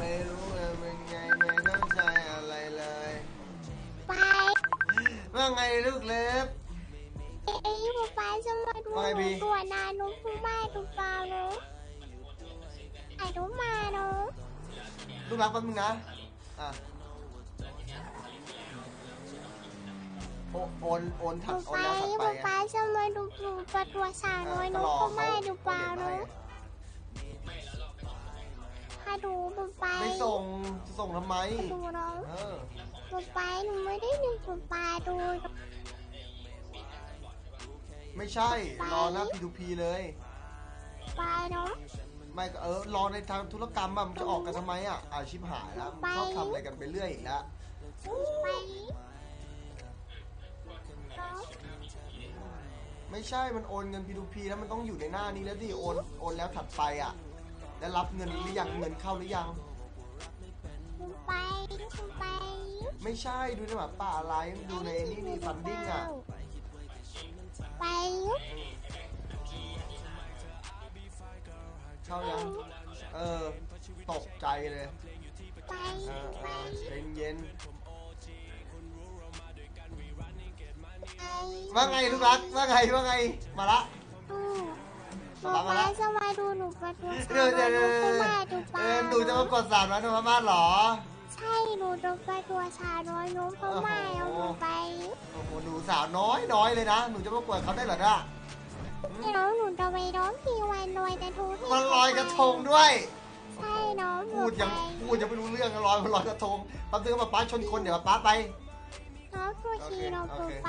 ไม่รู้เลยเป็นไงไม่ต้องใช้อะไรเลยไปว่าไงลูกเล็บไอ้ป๊าจะมาดูหนูตัวนาหนูพูดไม่ดูเปล่าหนูไอ้ดูมาหนูลูกรักแป๊บนึงนะอ่ะโอนถัดโอนแล้วถัดไปป๊าจะมาดูหนูประตัวสาวน้อยหนูพูดไม่ดูเปล่าหนูถ้าดูไปไม่ส่งทำไมดูน้องดูไปหนูไม่ได้ดูปลาดูไม่ใช่รอหน้า P2P เลยปลาเนาะไม่รอในทางธุรกรรมมันจะออกกันทำไมชิบหายแล้วชอบทำอะไรกันไปเรื่อยอีกแล้วไม่ใช่มันโอนเงิน P2P แล้วมันต้องอยู่ในหน้านี้แล้วดิโอนแล้วถัดไปแล้วรับเงินหรือยังเงินเข้าหรือยังไปไม่ใช่ดูในหมาป่าอะไรดูในนี่ฟันดิ้งไปเข้ายังตกใจเลยเย็นว่าไงลูกรักว่าไงมาละมาละจะมาดูหนูประตูเดี๋ยวดูจะมากด300โนมาหรอใช่หนูดูประตูสาวน้อยหนูเพราะไม่เอาหนูไปโอ้โหหนูสาวน้อยเลยนะหนูจะมากดเขาได้เหรอเนี่ยน้องหนูจะไปร้องเพลงวันลอยกระทงมันลอยกระทงด้วยใช่น้องพูดยังไม่รู้เรื่องลอยกระทงปั๊บซื้อมาป้าชนคนเดี๋ยวป้าไปน้องตัวชีเราไป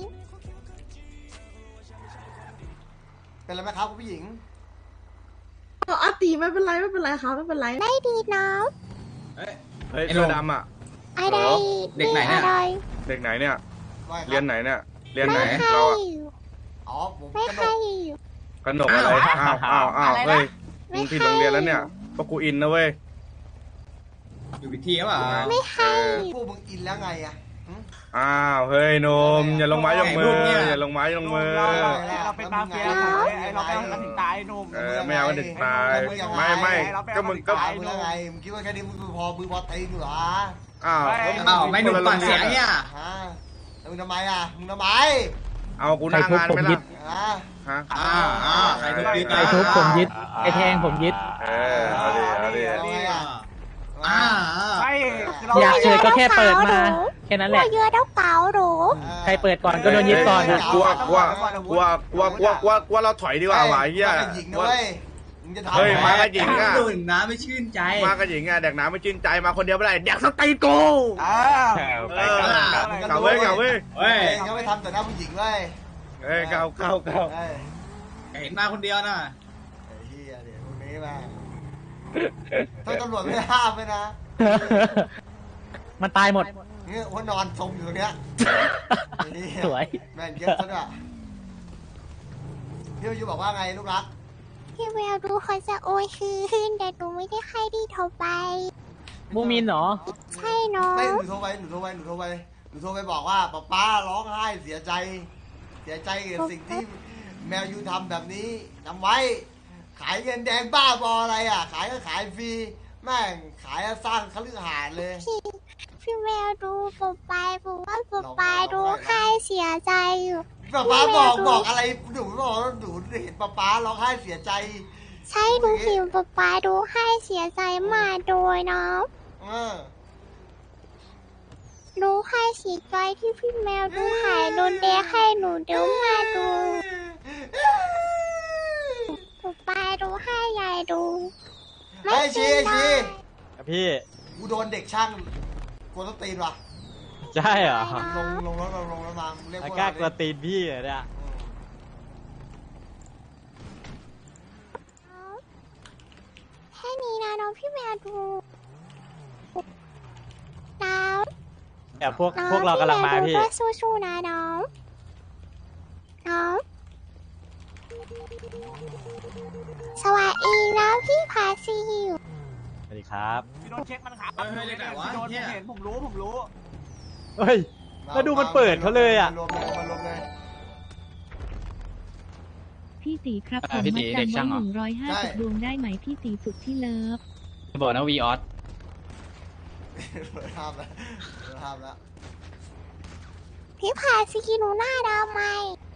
เป็นไรไหมครับคุณผู้หญิงอาตีไม่เป็นไรครับไม่เป็นไรได้ดีน้องเฮ้ยเสื้อดำอะไรเด็กไหนเนี่ยเด็กไหนเนี่ยเรียนไหนเนี่ยเรียนไหนเราผมไม่ใช่กนกอะไรอ้าวเฮ้ยมึงผิดโรงเรียนแล้วเนี่ยพวกกูอินนะเว้ยอยู่พิธีป่ะไม่ให้พวกมึงอินแล้วไงอ้าวเฮ้ยนมอย่าลงไม้ลงมืออย่าลงไม้ลงมือเราเป็นมาเฟียเราไปถึงตายนมไม่เอาถึงตายไม่ก็มึงก็ไงมึงคิดว่าแค่นี้มึงพอตีนเหรออ้าวไม่หนุ่มปากเสียงเนี่ยมึงทำไมเอากูนั่งงานไปละใครทุบผมยึดไอแทงผมยึดเอาดิอยากเชิญก็แค่เปิดมาแค่นั้นแหละเยอะเท่าเก๋าหรูใครเปิดก่อนก็โดนยึดก่อนกลัวเราถอยดีกว่าหวายเงี้ยเฮ้ยมากระหญิงดื่มน้ำไม่ชื่นใจมากระหญิงแดกน้ำไม่ชื่นใจมาคนเดียวไม่ได้แดกสตีโก้เก่าเว้ยเขาไม่ทำแต่หน้าผู้หญิงเว้ยเก่าเห็นมาคนเดียวน่ะไอ้เหี้ยเดี๋ยวพวกนี้มาถ้าตำรวจไม่ห้ามเลยนะมันตายหมดเนี่ยว่านอนสมอยู่ตรงเนี้ยสวยแม่นเยอะซะด้วยพี่ยูบอกว่าไงลูกรักพี่แววดูเขาจะโอยคืนแต่หนูไม่ได้ให้ดีเท่าไปมูมินเหรอใช่น้องไม่หนูโทรไปบอกว่าป้าร้องไห้เสียใจกับสิ่งที่แมวยูทำแบบนี้ทำไว้ขายเงินแดงบ้าบออะไรขายก็ขายฟรีแม่งขายสร้างคฤหาสน์เลยพี่แววดูผมว่าดูให้เสียใจอยู่ป้าบอกอะไรหนูบอกหนูเห็นป้าร้องไห้เสียใจใช่ดูเห็นป้าดูให้เสียใจมาโดยน้องดูให้เสียใจที่พี่แมวดูหายโดนแดงให้หนูเดี๋ยวมาดูป้าดูให้ยายดูไม่ชี้พี่กูโดนเด็กช่างกวนต้นตีนว่ะใช่เหรอลงแล้วมาเรียกว่ากล้ากวนตีนพี่เนี่ยแค่นี้นะน้องพี่แมวดูน้องเดี๋ยวพวกเรากำลังมาพี่สู้ๆนะน้องสวัสดีนะพี่พาซิวสวัสดีครับพี่โดนเช็คมันขาพี่โดนเห็นผมรู้เฮ้ยแล้วดูมันเปิดเขาเลยพี่ตีครับผมมาจำไว้150 ดวงได้ไหมพี่ตีสุดที่เลิฟจะบอกนะวีออสห้ามแล้วห้ามแล้วพี่พาสกินหนูหน้าดำไหม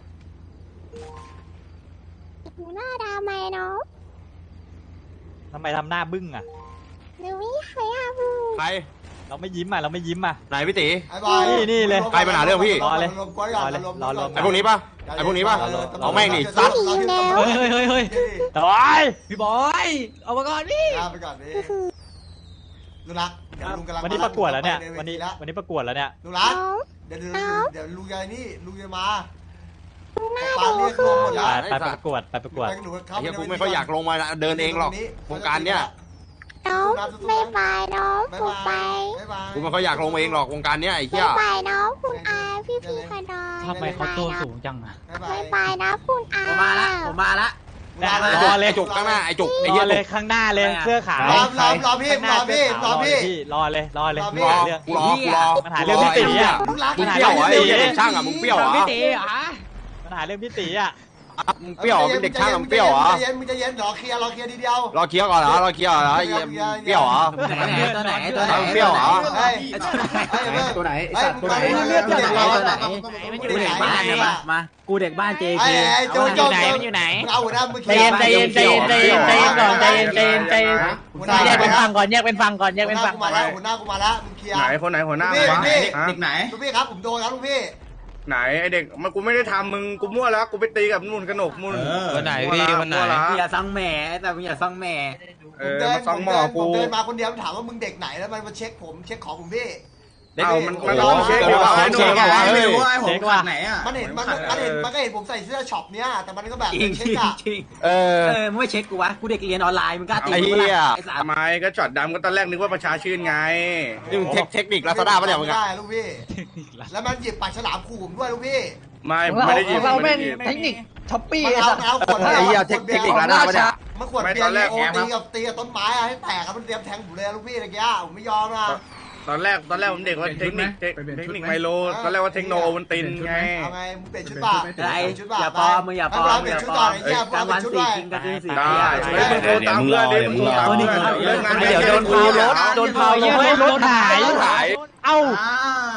หนูหน้าดำไหมเนาะทำไมทำหน้าบึ้งอ่ะหนูไม่เคยอาบูใครเราไม่ยิ้มอ่ะ เราไม่ยิ้มอ่ะไหนพี่ตีไอ้บอยนี่เลยใครมาหาเรื่องพี่รอเลยรวมก้อยก่อนรอเลยไอ้พวกนี้ปะไอ้พวกนี้ปะเอาแม่งดิซัดเฮ้ยเฮ้ยตายพี่บอย เอามาก่อนพี่ไปก่อนดิลูกรักเดี๋ยวลุงกำลังวันนี้ประกวดแล้วเนี่ยวัวัน นนี้นี้แล้ววันนี้ประกวดแล้วเนี่ยลูกรักน้องเดี๋ยวน้องเดี๋ยวลุงยายนี่ลุงจะมาหน้าป้าดูเรียกคืรวอมหมดแล้วไปประกวดไปประกวดไปกับหนูเข้าไอ้ปเหี้ยในกูไม่ค่อยอยากลงมาเดินเองหรอกวงการเนี้ยน้องไม่ไปน้องบ๊ายผูบายไปบ๊ายบายกูไม่ค่อยอยากลงเองหรอกวงการเนี้ยไอ้ไม่เหี้ยไปน้องคุณอาพี่กระดอยทำไมเขาตัวสูงจังอ่ะบ๊ายบาไม่ยไปนะคุณอาผมมาละผมมาละรอเลยไอ้จุกข้างหน้าไอ้จุกไอ้รเหี้อย เลจุยกข้างหน้าเลยเสื้อขาวรอพี่รอพี่รอพี่รอเลยรอเลยรอพี่รอเรื่องกูรอกูรอปัญหาเรื่องพี่ตีอ่ะลูกรักมึงเปรี้ยวเหรอไอ้เหี้ยเด็กช่างอ่ะมึงเปรี้ยวเหรอพี่ตีเหรอปัญหาเรื่องพี่ตีอ่ะมึงเปรี้ยวเหรอเป็นเด็กช่างอ่ะมึงเปรี้ยวเหรอมึงจะเย็นรอเคลียร์ทีเดียวรอเคลียร์ก่อนเหรอรอเคลียร์ก่อนเหรอไอ้เหี้ยเปรี้ยวเหรอตัวไหนตัวไหนเอาเปรี้ยวเหรอเฮ้ยตัวไหนไอ้สัตว์ตัวไหนเลือดตัวไหนกูเด็กบ้านเนี่ยมากูเด็กบ้าน JK ไอ้โจโจเอาหัวหน้ามือใจเย็นใจเย็นใจเย็นใจเย็นใจเย็นก่อนใจเย็นใจเย็นใจเย็นแยกเป็นฝั่งก่อนแยกเป็นฝั่งก่อนแยกเป็นฝั่งมาแล้วหัวหน้ากูมาแล้วมึงเคลียร์ไหนคนไหนหัวหน้าพี่วะพี่ฮะเด็กไหนลูกพี่ครับผมโดนครับลูกพี่ไหนไอเด็กมันกูไม่ได้ทำมึงกูมั่วแล้วกูไปตีกับนุ่นกระหนกมุ่นวันไหนพี่วันไหนมั่ละอย่าซังแหม่แต่มึงอย่าซังแหม่เออมาซ้อมหมอกูผมเดินมาคนเดียวถามว่ามึงเด็กไหนแล้วมันมาเช็คผมเช็คของผมพี่เอามันลองเช็คดีกว่าไอ้นุ่นไม่รู้ว่าผมขัดไหนอ่ะมันเห็นมันก็เห็นผมใส่เสื้อช็อปเนี้ยแต่มันก็แบบจริงเช็คอะจริงเออมึงไม่เช็คกูวะกูเด็กเรียนออนไลน์มึงกล้าตีไอ้เหี้ยไอ้สามทำไมก็จอดดำก็ตอนแรกนึกว่าประชาชื่นไงนี่มึงเทคนิคลาซาด้าปะเนี่ยมึงได้อะลูกพี่แล้วมันหยิบปากฉลามขู่ผมด้วยลูกพี่ไม่ได้ยินเราไม่เป็นได้ยินเทคนิคช้อปปี้มันเอาขวดไอ้เหี้ยเทคนิคลาซาด้าปะเนี่ยมันขวดเบียร์โอตีกับต้นไม้อะให้แตกครับมันเตรียมแทงผมเลยลูกพี่ตะกี้ผมไม่ยอมนะตอนแรกผมเด็กว่าเทคนิคไมโลตอนแรกว่าเทคโนมันตินไงเอาไงมึงเปลี่ยนชุดป่ะไรชุดป่ะอย่าปลอมมึงอย่าปลอมเปลี่อยนย่าชุดปลก่ออนมไอ้เหี้ยกลางวันชุดสี่ด้วยกินกระทิงสี่ได้เฮ้ยมึงโทรตามเพื่อนดิมึงโทรตามเพื่อนเลิกงานเดี๋ยวโดนพาวรถโดนพาวรถรถหาย เอ้าอ้าว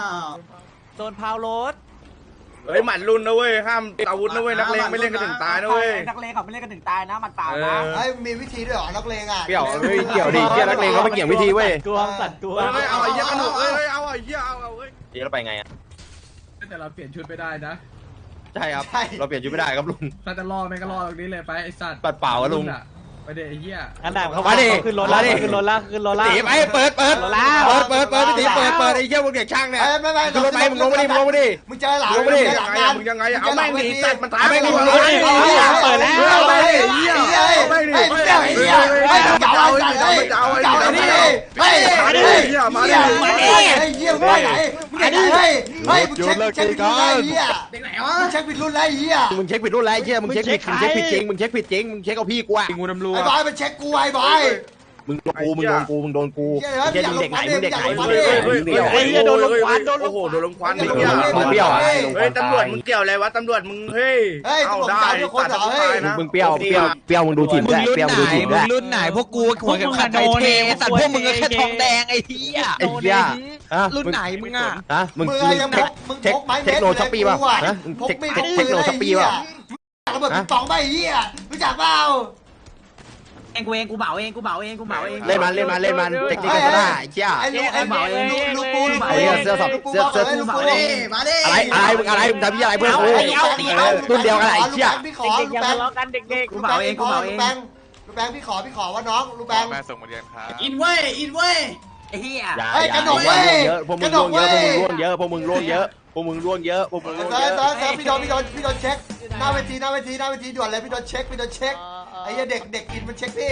โดนพาวรถเฮ้ยหมัดรุ่นนะเว้ยห้ามอาวุธนะเว้ยนักเลงไม่เล่นกันถึงตายนะเว้ยนักเลงเขาไม่เล่นกันถึงตายนะมันเปล่าเอนะอเฮ้ยมีวิธีด้วยเหรอนักเลงอ่ะเกี่ยวเฮ้ยเกี่ยวดิเกี่ยวนักเลงเขาไม่เกี่ยววิธีเว้ยกลัวสัตว์กลัวเฮ้ยเอาไอ้เหี้ยกระหนกเฮ้ยเอาไอ้เหี้ยเอาเฮ้ยเดี๋ยวเราไปไงอะแต่เราเปลี่ยนชุดไม่ได้นะใช่ครับเราเปลี่ยนชุดไม่ได้ครับลุงถ้าจะล่อแม่งก็ล่อตรงนี้เลยไปไอ้สัตว์ปัดเปล่าอะลุงไปเดไอ้เหี้ยอันดับเขามาดิขึ้นรถแล้วขึ้นรถแล้วขึ้นรถแล้วตีไปเปิดพี่ตีเปิดไอ้เหี้ยพวกเด็กช่างเนี่ยไม่ขึ้นรถไปมึงลงมาดิมึงลงมาดิมึงเจอหลานลงมาดิเจอหลังงานมึงยังไงเอาแม่งดิตัดมันตายเอาแม่งดิเปิดแล้วเอาไปดิเหี้ยเฮ้ยเฮ้ยมึงเจอไอ้เหี้ยเฮ้ยมึงเจาไอ้สัตว์เฮ้ยเจาไอ้นี่เฮ้ยเฮ้ยเหี้ยมาดิไอ้เหี้ยมึงไปไหนมึงไปไหนเฮ้ยเฮ้ยมึงเช็คผิดรุ่นแล้วไอ้เหี้ยเด็กไหนวะมึงเช็คผิดรุ่นแล้วไอ้เหี้ยมึงเช็คผิดรุ่นแล้วไอ้เหี้ยมึงเช็คผิดจริงมึงเช็คผิดจริงมึงเช็คเอาพี่กูอะงูน้ำรัวไอ้บอยมันเช็คกูไอ้บอยมึงโดนกูเหี้ยมึงเด็กไหนมึงเด็กไหนมึงโอ้โหโดนลมควันมึงเปรี้ยวอะเฮ้ยตำรวจมึงเกี่ยวอะไรวะตำรวจมึงเฮ้ยเอาได้ตัดตายนะมึงเปรี้ยวมึงดูถิ่นด้วยเปรี้ยวมึงดูถิ่นด้วยรุ่นไหนพวกกูหัวเข็มขัดไทเทสัตว์พวกมึงก็แค่ทองแดงไอ้เหี้ยไอ้เหี้ยรุ่นไหนมึงอ่ะฮะมึงมึงยังพกมึงพกไม้เทคโนช้อปปี้ป่ะฮะเทคโนช้อปปี้ป่ะระเบิดปิงปองไปเหี้ยรู้จักเปล่าเองกูเหมาเองกูเหมาเองกูเหมาเองเล่นมันเทคนิคก็ได้เชี่ยไอ้ลูกปูไอ้เหี้ยเสื้อสอบเสื้อลูกมาปูดิมาดิอะไรมึงทำยี่อะไรเพื่อนกูรุ่นเดียวกันไอ้เชี่ยพี่ขอเด็กๆอย่าทะเลาะกันเด็กกูเหมาเองกูเหมาเองลูกแบงพี่ขอว่าน้องลูกแบงแม่ส่งมาเรียนครับอินเว้ยไอ้เหี้ยเยอะพวกมึงร่วงเยอะพวกมึงร่วงเยอะพวกมึงร่วงเยอะพวกมึงร่วงเยอะเซิร์ฟพี่โดนเช็คหน้าเวทีด่วนเลยพี่โดนเช็คไอ้เหี้ยเด็กอินมันเช็คพี่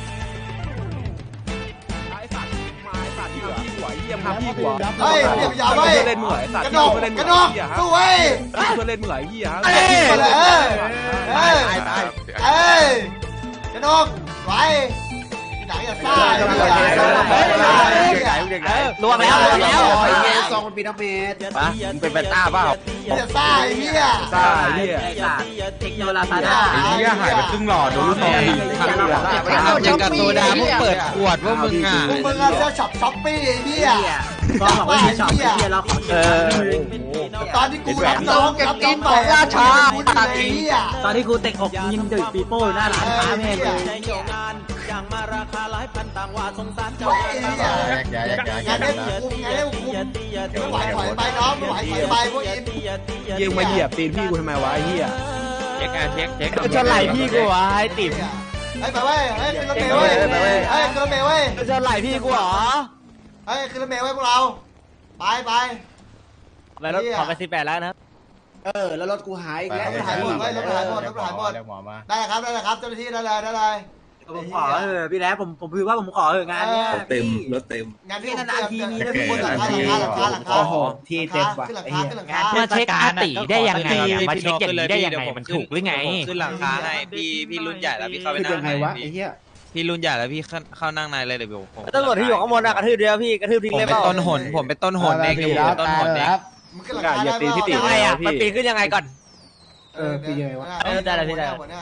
เฮ้ยเดี๋ยวอย่าไปกระนกสู้เว้ยเพื่อนเล่นเหมือนเหี้ยเอ้ยกระนกไว้ที่ไหนอย่าซ่าเด็กล่วงแล้วล่วงแล้วซองมันปีนักเมตรมึงเป็นแฟนต้าเปล่าจะซ่าไอ้เหี้ยซ่าไอ้เหี้ยเทคโนโลยีไอ้เหี้ยหายไปครึ่งหลอดโดนลูกน้องยิงเอาจากการโซดามึงเปิดขวดว่ามึงอ่ะพวกมึงเอาเสื้อช็อปช้อปปี้ไอ้เหี้ยก็บอกว่าไม่ชอบไอ้เหี้ยเราขอตอนที่กูรับน้องรับน้องใหม่ราชาไอ้เหี้ยตอนที่กูเตะอกยิงดึกปีโป้หน้าร้านค้าแม่งเลยงานได้คุมไม่ไหวถอยไปน้องไม่ไหวถอยไปพวกอินยิงมาเหยียบตีนพี่กูทำไมวะไอ้เหี้ยเช็คจะไหลพี่กูวะไอ้ติ๋มเฮ้ยไปเว้ยเฮ้ยขึ้นรถเมล์เว้ยเฮ้ยขึ้นรถเมล์เว้ยจะไหลพี่กูเหรอเฮ้ยขึ้นรถเมล์เว้ยพวกเราไปไปรถขอไป18แล้วนะแล้วรถกูหายอีกแล้วรถหายหมดเว้ยรถหายหมดได้ครับเจ้าหน้าที่ได้เลยผมขอพี่แล้ผมคือว่าผมของานเนี้ยเต็มรถเต็มงานที่นานๆทีมีนะทุกคนหลังคาขึ้นหลังคาขึ้นหลังคามาเช็คอาติได้ยังไงมาเช็คอย่างนี้ได้ยังไงมันถูกหรือไงขึ้นหลังคาให้พี่รุ่นใหญ่แล้วพี่เข้าไปนั่งพี่รุ่นใหญ่แล้วพี่เข้านั่งในเลยเดี๋ยวผมตำรวจที่อยู่ข้างบนกระทืบเดียวพี่กระทืบทิ้งผมเลยเป็เปนล่าต้นหนผมเป็นต้นหนเองอยู่ต้นหนเองมึงขึ้นหลังคาได้ยังไงอ่ะมันปีนขึ้นยังไงก่อนคือยังไงวะได้แล้วพี่ได้